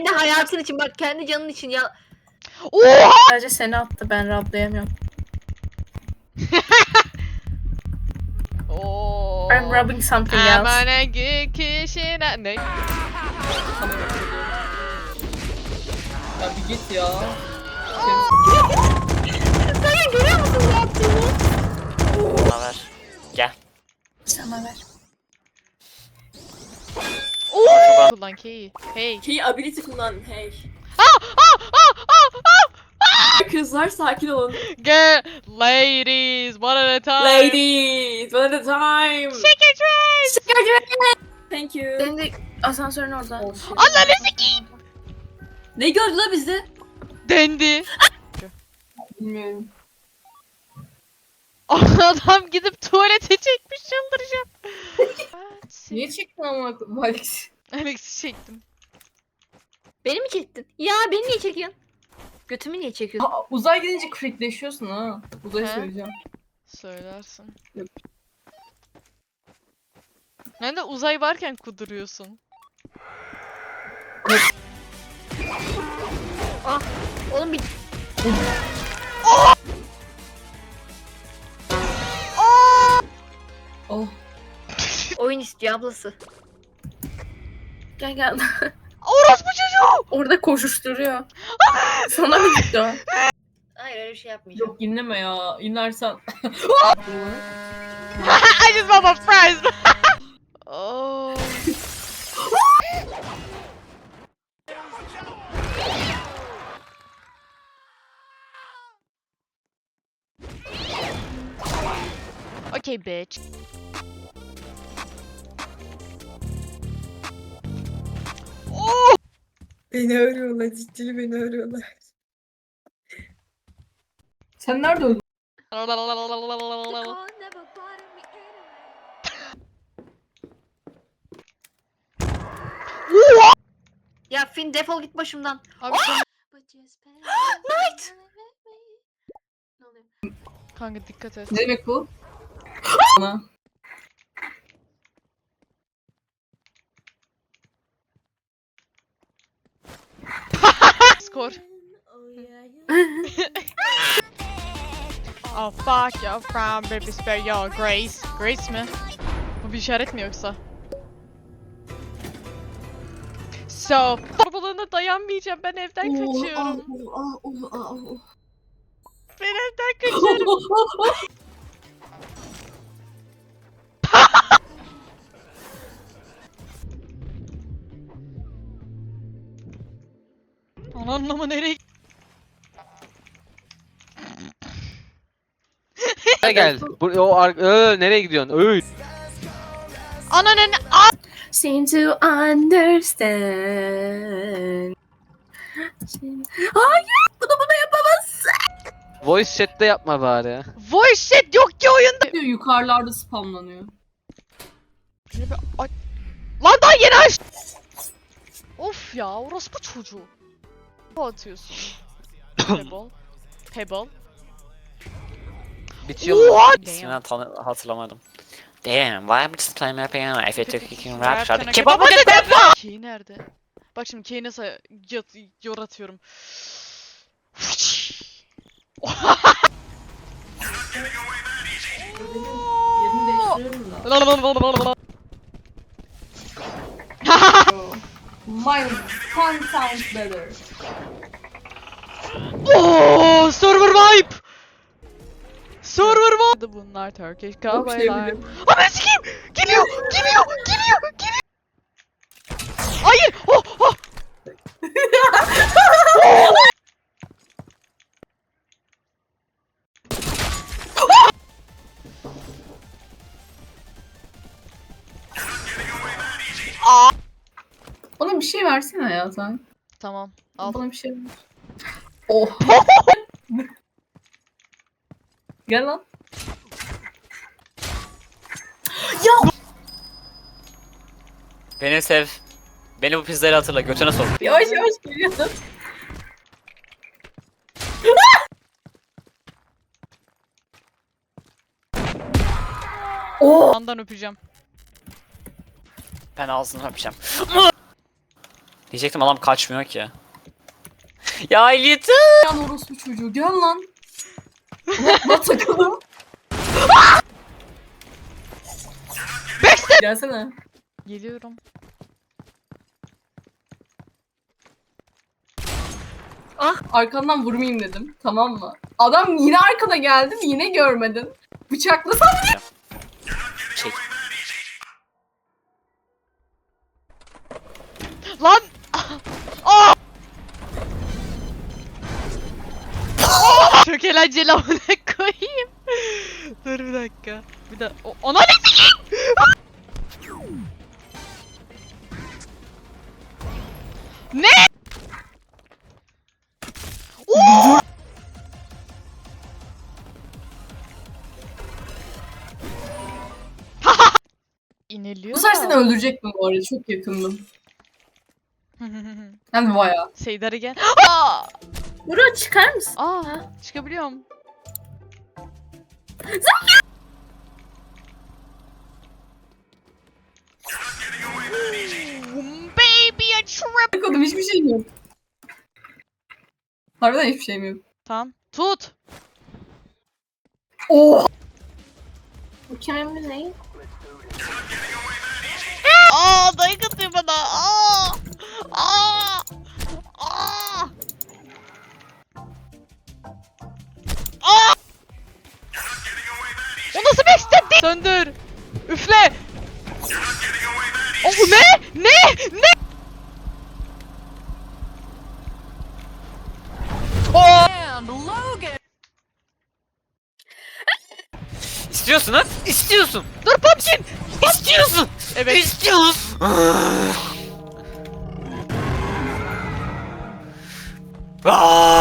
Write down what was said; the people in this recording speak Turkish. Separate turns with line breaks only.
Kendi hayatın için bak, kendi canın için ya.
Oha!
Sadece seni attı, ben rablayamıyorum.
Oo.
I'm rubbing something else.
Aman kişine ne?
Ya bir git ya.
Sen görüyor musun ne yaptığını?
Bana ver. Gel.
Sana ver.
Oo! Kullan K'yi. Hey.
Key ability kullan. Hey.
Ah!
Kızlar sakin olun.
Get ladies one at a time.
Ladies, one at a time.
Shake your dress.
Shake your dress. Thank you.
Senin de asansörün orada.
Ananı sikeyim.
Ne gördü la bizde?
Dendi.
Bilmiyorum.
Adam gidip tuvalete çekmiş, çıldıracağım.
Niye çektin ama Alex?
Alex'i çektim.
Beni mi çektin? Ya beni niye çekiyorsun? Götümü niye çekiyorsun?
Uzay gidince crackleşiyorsun ha. Uzayı
He?
söyleyeceğim.
Söylersin.
Yok.
Ben de uzay varken kuduruyorsun.
Oğlum bir
Oh.
oyun istiyor ablası.
Gel gel.
Orospu çocuğu!
Orada koşuşturuyor. Sana mı gitti o?
Hayır öyle bir şey yapmayacağım.
Yok inleme ya. İnlersen.
I just want my fries. Oh. Okay, bitch. Oh!
Beni arıyorlar. Ciddi beni arıyorlar. Sen nerede öldün?
Ya Finn defol git başımdan.
Abi sen...
Night!
Ne oluyor?
Kanka dikkat et.
Ne demek bu? Bana.
Skor. Oh fuck your frown baby spare your grace. Grace mi? Bu bir işaret mi yoksa? So, babalığına dayanmayacağım, ben evden kaçıyorum. Ben evden kaçıyorum. Ananlama nereye?
Gel gel. Nereye gidiyorsun? Öy.
Ananın
Seem to understand. Hayır! Bunu yapamazsın.
Voice chat'te yapma bari.
voice chat yok ki oyunda.
Diyor, yukarılarda spamlanıyor.
Lan daha yeni aç. Of ya, orospu çocuğu. Ne atıyorsun? Pebble. Pebble.
Bitiyor.
What?
İsmini hatırlamadım. Damn, why am I just playing my piano? If it took you rap shot,
Rap'ten
kebabı
hak-
get peppa!
Key nerede? Bak şimdi Key'i nasıl yoratıyorum.
Yerini değiştiriyorum da. Mine 10 times better.
Oh, server wipe. Server wipe. Bunlar Turkish
Çok
cowboylar.
sevdim.
Ama sikeyim. Geliyor. Hayır. Oh, oh.
Bana bir şey versene ya sen.
Tamam. Al.
Bana bir şey ver. Oh. Gel lan.
Beni sev. Beni bu pizzayla hatırla, götüne sok.
Yavaş yavaş geliyorsun.
Yandan öpeceğim.
Ben ağzını öpeceğim. Diyecektim adam kaçmıyor ki. Ya yeter.
Yan orospu çocuğu gel lan. Lan takalım.
Gelsene.
Geliyorum.
Arkandan vurmayayım dedim. Tamam mı? Adam yine arkada geldi yine görmedin. Bıçaklasam
Çek.
Lan! Aa! Çok eğlenceli amına koyayım. Dur bir dakika. Bir de ona ne Ne? Oo! İneliyor.
bu sefer seni öldürecektim bu arada. Çok yakındım. Hem de bayağı.
Seydar again. Aa!
Buraya çıkar mısın?
Aa! Çıkabiliyorum. Baby a trip.
Bakalım hiçbir şeyim yok. Harbiden hiçbir şeyim yok.
Tamam. Tut.
Oh!
Bu kimin ne?
Aa, dayak atıyor bana. Aa! Aa! Aa! Aa! O nasıl bir step değil? Söndür. Üfle. O ne? Ne? Ne?
İstiyorsun ha? İstiyorsun.
Dur Pumpkin.
İstiyorsun.
Evet.
İstiyorsun. Aa!